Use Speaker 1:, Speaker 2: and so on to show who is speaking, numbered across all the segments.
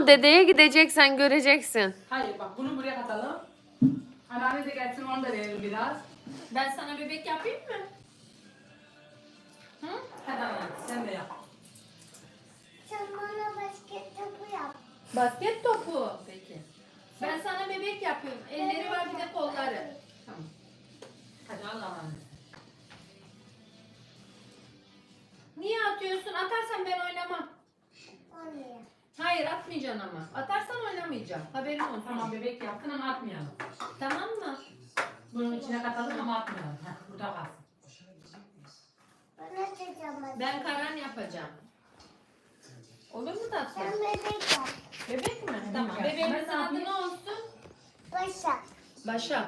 Speaker 1: dedeye gideceksen göreceksin.
Speaker 2: Hayır bak bunu buraya katalım. Anneanne de gelsin onu da verelim biraz.
Speaker 3: Ben sana bebek yapayım mı? Hı?
Speaker 2: Hadi anneanne sen de yap.
Speaker 4: Sen bana basket topu yap.
Speaker 3: Basket topu. Peki. Ben sana bebek yapıyorum. Elleri var bir de kolları.
Speaker 2: Tamam. Hadi al anneanne.
Speaker 3: Niye atıyorsun? Atarsan ben oynamam.
Speaker 4: Oraya.
Speaker 3: Hayır atmayacaksın ama. Atarsan oynamayacağım. Haberin olsun.
Speaker 2: Tamam bebek yaptın ama atmayalım.
Speaker 3: Tamam mı?
Speaker 2: Bunun içine katalım ama atmayalım. Heh, burada kalsın.
Speaker 4: Bana çekemez.
Speaker 3: Ben Karan yapacağım. Olur mu tatlım?
Speaker 4: Sen bebek yap.
Speaker 3: Bebek mi? Tamam.
Speaker 2: yap.
Speaker 3: Bebeğimizin
Speaker 2: Ben
Speaker 3: adı
Speaker 2: yapayım.
Speaker 3: ne olsun?
Speaker 4: Başak.
Speaker 3: Başak.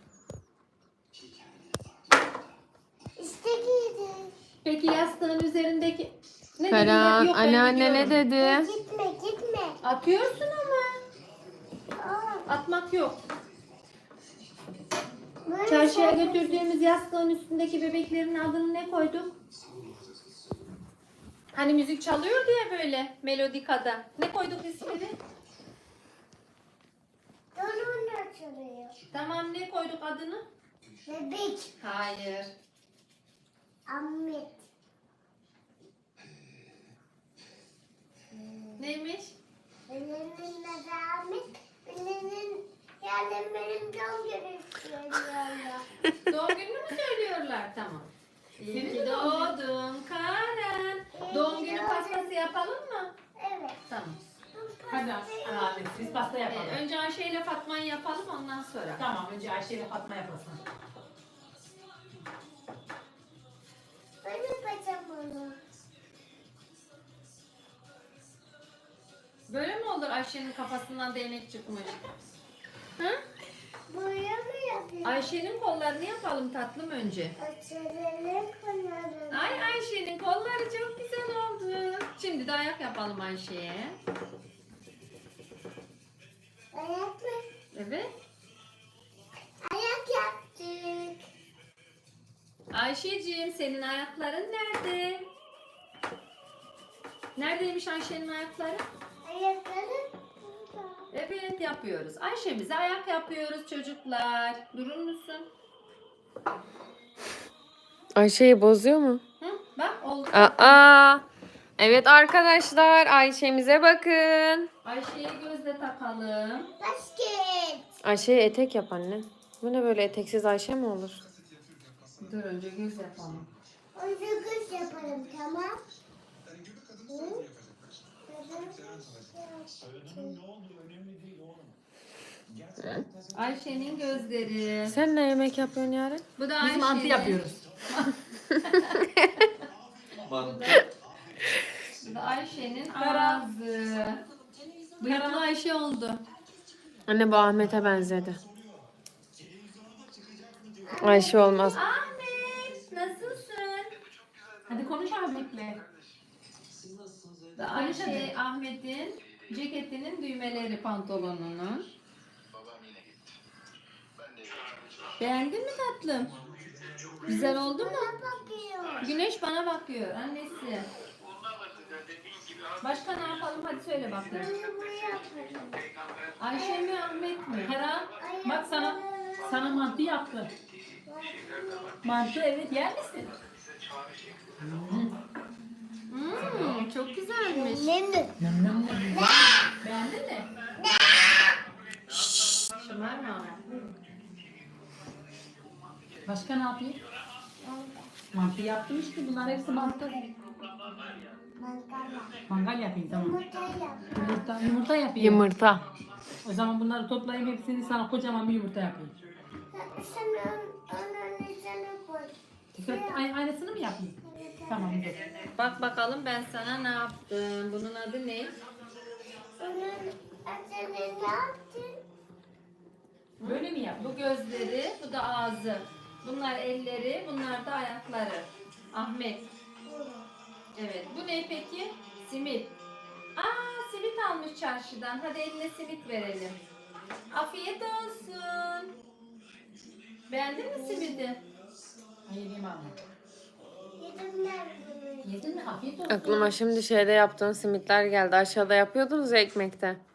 Speaker 4: İşte giydi.
Speaker 3: Peki yastığın üzerindeki... Ne dedin?
Speaker 1: Karan
Speaker 3: Yok, ben
Speaker 1: anneanne ne
Speaker 3: gidiyorum.
Speaker 1: dedi?
Speaker 4: Gitme.
Speaker 3: Atıyorsun ama.
Speaker 4: Aa,
Speaker 3: Atmak yok.
Speaker 4: böyle
Speaker 3: Çarşıya
Speaker 4: şey-
Speaker 3: götürdüğümüz yastığın üstündeki bebeklerin adını ne koyduk? Hani müzik çalıyor diye böyle melodikada. Ne koyduk ismini?
Speaker 4: Donun açılıyor.
Speaker 3: Tamam ne koyduk adını?
Speaker 4: Bebek.
Speaker 3: Hayır.
Speaker 4: Ahmet.
Speaker 3: Neymiş?
Speaker 4: Benim adı Ahmet. Yani benim doğum günüm söylüyorlar.
Speaker 3: Doğum gününü mü söylüyorlar? Tamam. İyi
Speaker 2: Senin
Speaker 3: ki
Speaker 2: de doğum günün.
Speaker 3: doğdun Karen.
Speaker 4: İyi
Speaker 3: Doğum
Speaker 4: ki
Speaker 3: günü
Speaker 4: doğdun.
Speaker 3: pastası yapalım mı?
Speaker 4: Evet.
Speaker 3: Tamam.
Speaker 2: Hadi anneanne biz pasta yapalım.
Speaker 3: Önce Ayşe ile Fatma'yı yapalım ondan sonra.
Speaker 2: Tamam önce Ayşe ile Fatma yapasın.
Speaker 4: Ben yapacağım onu.
Speaker 3: Böyle mi olur Ayşe'nin kafasından değnek çıkmış? Hı?
Speaker 4: Buraya mı yapayım?
Speaker 3: Ayşe'nin kollarını yapalım tatlım önce.
Speaker 4: Açalım kanalını.
Speaker 3: Ay Ayşe'nin kolları çok güzel oldu. Şimdi de ayak yapalım Ayşe'ye.
Speaker 4: Ayak mı?
Speaker 3: Evet.
Speaker 4: Ayak yaptık.
Speaker 3: Ayşe'ciğim senin ayakların nerede? Neredeymiş Ayşe'nin ayakları?
Speaker 4: Ayakları burada.
Speaker 3: Evet yapıyoruz. Ayşe'mize ayak yapıyoruz çocuklar. Durur musun?
Speaker 1: Ayşe'yi bozuyor mu?
Speaker 3: Hı? Bak oldu.
Speaker 1: Aa. Evet arkadaşlar Ayşe'mize bakın.
Speaker 3: Ayşe'ye gözle takalım.
Speaker 4: Basket.
Speaker 1: Ayşe'ye etek yap anne. Bu ne böyle eteksiz Ayşe mi olur?
Speaker 3: Dur önce göz yapalım.
Speaker 4: Onu kız yapalım tamam. Hı?
Speaker 3: Ayşe'nin gözleri.
Speaker 1: Sen ne yemek yapıyorsun yarın?
Speaker 3: Bu da
Speaker 2: Biz
Speaker 3: Ayşe'nin.
Speaker 2: mantı yapıyoruz.
Speaker 3: Bu da Ayşe'nin ağzı. Bıyıklı Ayşe oldu.
Speaker 1: Anne bu Ahmet'e benzedi. Ayşe olmaz.
Speaker 3: Ahmet nasılsın?
Speaker 2: Hadi konuş Ahmet'le.
Speaker 3: Bu da Ayşe Ahmet'in ceketinin düğmeleri pantolonunun. Beğendin mi tatlım? Güzel oldu mu?
Speaker 4: Bana bakıyor.
Speaker 3: Güneş bana bakıyor annesi. Başka ne yapalım hadi söyle bakayım.
Speaker 4: Bunu buraya yapalım.
Speaker 3: Ayşe mi Ahmet mi?
Speaker 2: Hera bak sana mantı yaptı. Mantı evet yer misin?
Speaker 3: Çok güzelmiş.
Speaker 4: Ne mi?
Speaker 3: Beğendin mi? Şımarma ama.
Speaker 2: Başka ne yapayım? Mantı yaptım işte bunlar hepsi mantı.
Speaker 4: Mangala.
Speaker 2: Mangal yapayım tamam.
Speaker 4: Yumurta yap.
Speaker 2: Yumurta yapayım.
Speaker 1: Yumurta.
Speaker 2: O zaman bunları toplayayım hepsini sana kocaman bir yumurta yapayım.
Speaker 4: Sen onun üzerine koy.
Speaker 2: Aynısını mı yapayım? Tamam dur.
Speaker 3: Bak bakalım ben sana ne yaptım. Bunun adı ne?
Speaker 4: Onun üzerine ne yaptın?
Speaker 2: Böyle mi yap?
Speaker 3: Bu gözleri, bu da ağzı. Bunlar elleri, bunlar da ayakları. Ahmet. Evet. Bu ne peki? Simit. Aa, simit almış çarşıdan. Hadi eline simit verelim. Afiyet olsun. Beğendin mi simidi?
Speaker 2: Ay yediğim anne.
Speaker 4: Yedim ben bunu.
Speaker 2: Yedin mi? Afiyet olsun.
Speaker 1: Aklıma şimdi şeyde yaptığın simitler geldi. Aşağıda yapıyordunuz ya ekmekte.